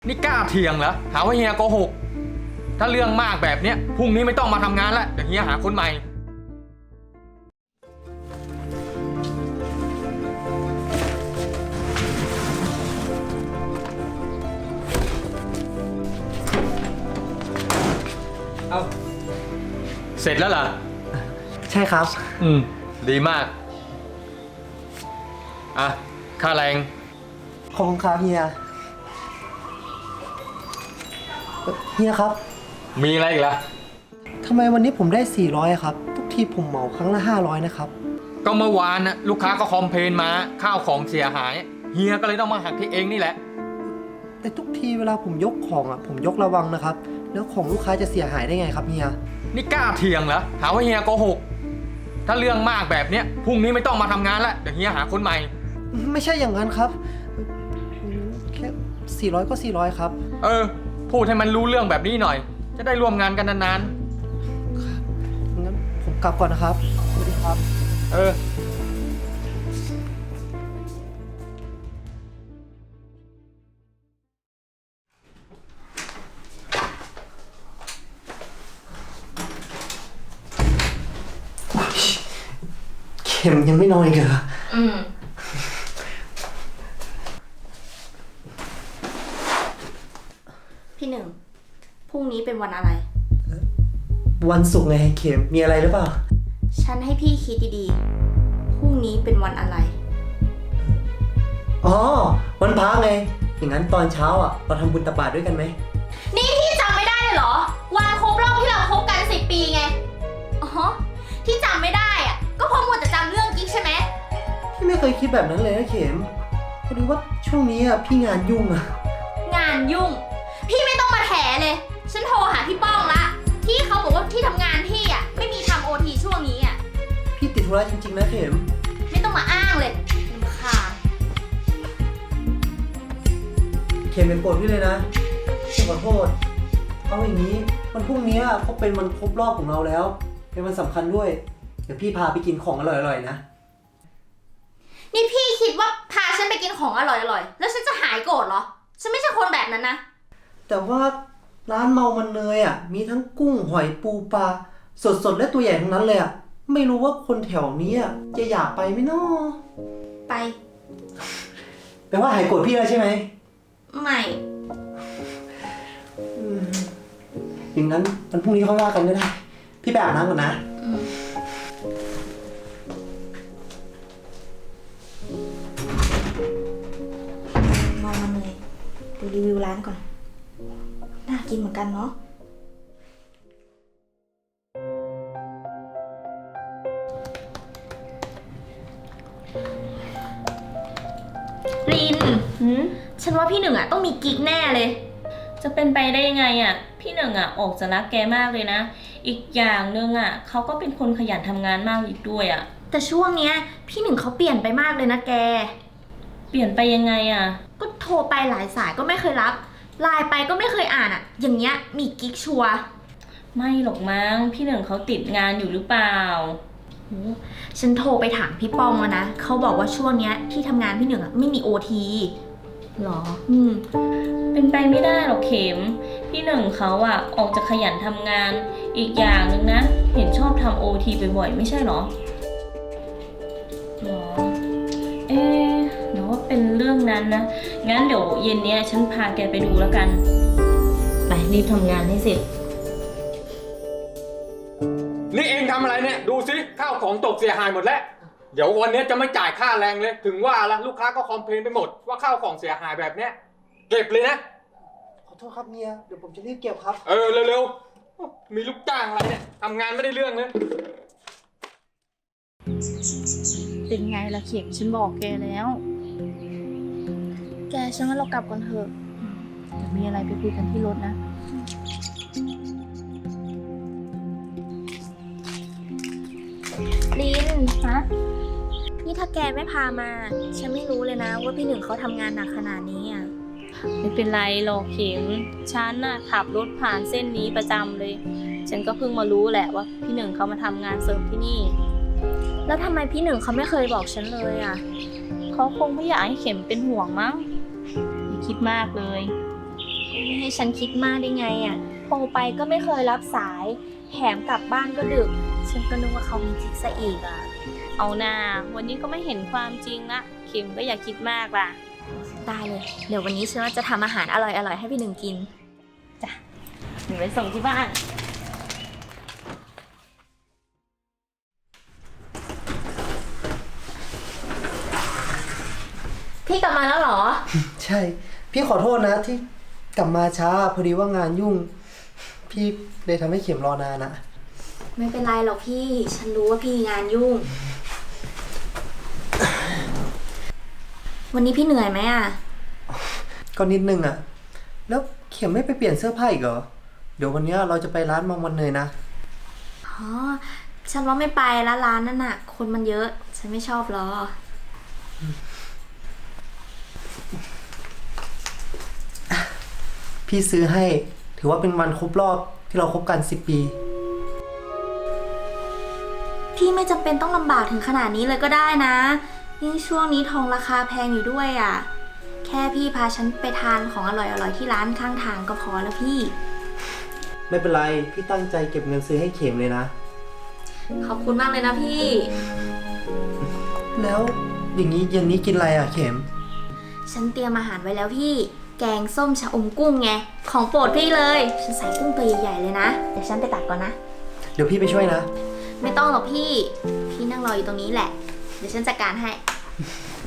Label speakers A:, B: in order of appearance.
A: นี่กล้าเถียงเหรอหาว่าเฮียโกหกถ้าเรื่องมากแบบเนี้ยพรุ่งนี้ไม่ต้องมาทำงานแล้วเดี๋ยวเฮียหาคนใหม่เอาเสร็จแล้วเหรอ
B: ใช่ครับ
A: ดีมากอ่ะค่าแรง
B: ขอบคุณครับเฮียเฮียครับ
A: มีอะไรอีกล่ะ
B: ทำไมวันนี้ผมได้400ครับทุกทีผมเหมาครั้งละ500นะครับ
A: ก็เมื่อวานนะลูกค้าก็คอมเพลนมาข้าวของเสียหายเฮียก็เลยต้องมาหักที่เองนี่แหละ
B: แต่ทุกทีเวลาผมยกของผมยกระวังนะครับแล้วของลูกค้าจะเสียหายได้ไงครับเฮีย
A: นี่กล้าเถียงเหรอหาว่าเฮียโกหกถ้าเรื่องมากแบบเนี้ยพรุ่งนี้ไม่ต้องมาทำงานแล้วเดี๋ยวเฮียหาคนใหม่
B: ไม่ใช่อย่างนั้นครับแค่400ก็400ครับ
A: พูดให้มันรู้เรื่องแบบนี้หน่อยจะได้ร่วมงานกันนาน
B: ๆงั้นผมกลับก่อนนะครับสวัสดีครับเข็มยังไม่นอนอีกเหรอ
C: พี่หนึ่งพรุ่งนี้เป็นวันอะไร
B: วันศุกร์ไงเข็มมีอะไรหรือเปล่า
C: ฉันให้พี่คิดดีๆพรุ่งนี้เป็นวันอะไร
B: อ๋อวันพระไงอย่างนั้นตอนเช้าเราทำบุญตักบาตรด้วยกันไหม
C: นี่พี่จำไม่ได้เลยเหรอวันครบรอบที่เราคบกัน10 ปีไงอ๋อที่จำไม่ได้ก็เพราะมัวแต่จำเรื่องกิ๊กใช่ไหม
B: พี่ไม่เคยคิดแบบนั้นเลยนะเข็มพอดีว่าช่วงนี้พี่งานยุ่ง
C: งานยุ่งพี่ไม่ต้องมาแถเลยฉันโทรหาพี่ป้องละที่เขาบอกว่าที่ทำงานพี่ไม่มีทำOTช่วงนี้
B: พี่ติดธุระจริงๆนะเข็ม
C: ไม่ต้องมาอ้างเลยรำคาญ
B: เข็มเป็นโกรธพี่เลยนะขอโทษเอาอย่างนี้วันพรุ่งนี้เขาเป็นวันครบรอบของเราแล้วเป็นวันสำคัญด้วยเดี๋ยวพี่พาไปกินของอร่อยๆนะ
C: นี่พี่คิดว่าพาฉันไปกินของอร่อยๆแล้วฉันจะหายโกรธเหรอฉันไม่ใช่คนแบบนั้นนะ
B: แต่ว่าร้านเมามันเนยมีทั้งกุ้งหอยปูปลาสดๆและตัวใหญ่ทั้งนั้นเลยไม่รู้ว่าคนแถวนี้จะอยากไปไหมน้อ
C: ไป
B: แปลว่าหายโกรธพี่แล้วใช่ไหม
C: ไม่
B: อย่างนั้นวันพรุ่งนี้ค่อยว่ากันก็ได้พี่ไปอาบน้ำก่อนนะ
C: มองมันเลยดูรีวิวร้านก่อนน่ากินเหมือนกันเนาะลินฉันว่าพี่หนึ่งต้องมีกิ๊กแน่เลย
D: จะเป็นไปได้ยังไงพี่หนึ่งออกจะรักแกมากเลยนะอีกอย่างหนึ่งเขาก็เป็นคนขยันทำงานมากอีกด้วย
C: แต่ช่วงเนี้ยพี่หนึ่งเขาเปลี่ยนไปมากเลยนะแก
D: เปลี่ยนไปยังไง
C: ก็โทรไปหลายสายก็ไม่เคยรับไลน์ไปก็ไม่เคยอ่านอย่างเงี้ยมีกิ๊กชัวร์
D: ไม่หรอกมั้งพี่หนึ่งเขาติดงานอยู่หรือเปล่า
C: ฉันโทรไปถามพี่ป้องแล้วนะเขาบอกว่าช่วงเนี้ยที่ทำงานพี่หนึ่งไม่มีOT
D: หรอเป็นไปไม่ได้หรอกเข็มพี่หนึ่งเขาออกจะขยันทำงานอีกอย่างหนึ่งนะเห็นชอบทำOTบ่อยๆไม่ใช่หรอหรอหรือว่าเป็นเรื่องนั้นนะงั้นเดี๋ยวเย็นนี้ฉันพาแกไปดูแล้วกันไปรีบทำงานให้เสร็จ
A: นี่เองทำอะไรเนี่ยดูสิข้าวของตกเสียหายหมดแล้วเดี๋ยววันนี้จะไม่จ่ายค่าแรงเลยถึงว่าละลูกค้าก็คอมเพลนไปหมดว่าข้าวของเสียหายแบบเนี้ยเก็บเลยนะ
B: ขอโทษครับเมียเดี๋ยวผมจะรีบเก็บครับ
A: เร็วๆมีลูกจ้างอะไรเนี่ยทำงานไม่ได้เรื่องเลย
E: เป็นไงล่ะเข็มฉันบอกแกแล้วแกฉันว่าเรากลับก่อนเถอะเดี๋ยวมีอะไรไปคุยกันที่รถนะ
C: ลินนี่ถ้าแกไม่พามาฉันไม่รู้เลยนะว่าพี่หนึ่งเขาทำงานหนักขนาดนี้
D: ไม่เป็นไรหรอกเข็มฉันขับรถผ่านเส้นนี้ประจำเลยฉันก็เพิ่งมารู้แหละว่าพี่หนึ่งเขามาทำงานเสริมที่นี่
C: แล้วทำไมพี่หนึ่งเขาไม่เคยบอกฉันเลย
D: เขาคงไม่อยากให้เข็มเป็นห่วงมั้งอย่าคิดมากเลย
C: ให้ฉันคิดมากได้ไงอ่ะโทรไปก็ไม่เคยรับสาย แถมกลับบ้านก็ดึก ฉันก็นึกว่าเขามีกิ๊กซะอีกอ่ะ
D: เอาหน้าวันนี้ก็ไม่เห็นความจริงละเข็มก็อย่าคิดมากล่ะ
C: ได้เลย เดี๋ยววันนี้ฉันว่าจะทำอาหารอร่อยๆให้พี่หนึ่งกิน
D: หนูไปส่งที่บ้าน
C: พี่กลับมาแล้วเหรอ
B: ใช่ พี่ขอโทษนะที่กลับมาช้าพอดีว่างานยุ่ง พี่เลยทำให้เข็มรอนานอะ
C: ไม่เป็นไรหรอกพี่ ฉันรู้ว่าพี่งานยุ่ง วันนี้พี่เหนื่อยไหมอ่ะ
B: ก็นิดนึงอะแล้วเข็มไม่ไปเปลี่ยนเสื้อผ้าอีกเหรอ เดี๋ยววันเนี้ยเราจะไปร้านมังวันเนยนะ
C: อ๋อ ฉันว่าไม่ไปละร้านนั่นน่ะ คนมันเยอะ ฉันไม่ชอบหรอ
B: พี่ซื้อให้ถือว่าเป็นวันครบรอบที่เราคบกัน10 ปี
C: พี่ไม่จำเป็นต้องลำบากถึงขนาดนี้เลยก็ได้นะยิ่งช่วงนี้ทองราคาแพงอยู่ด้วยอ่ะ แค่พี่พาฉันไปทานของอร่อยๆที่ร้านข้างทางก็พอแล้วพี่
B: ไม่เป็นไร พี่ตั้งใจเก็บเงินซื้อให้เข็มเลยนะ
C: ขอบคุณมากเลยนะพี่
B: แล้วอย่างนี้เย็นนี้กินอะไรอะเข็ม
C: ฉันเตรียมอาหารไว้แล้วพี่ แกงส้มชะอมกุ้งไง ของโปรดพี่เลย ฉันใส่กุ้งตัวใหญ่ๆเลยนะ เดี๋ยวฉันไปตักก่อนนะ
B: เดี๋ยวพี่ไปช่วยนะ
C: ไม่ต้องหรอกพี่ พี่นั่งรออยู่ตรงนี้แหละ เดี๋ยวฉันจัดการให้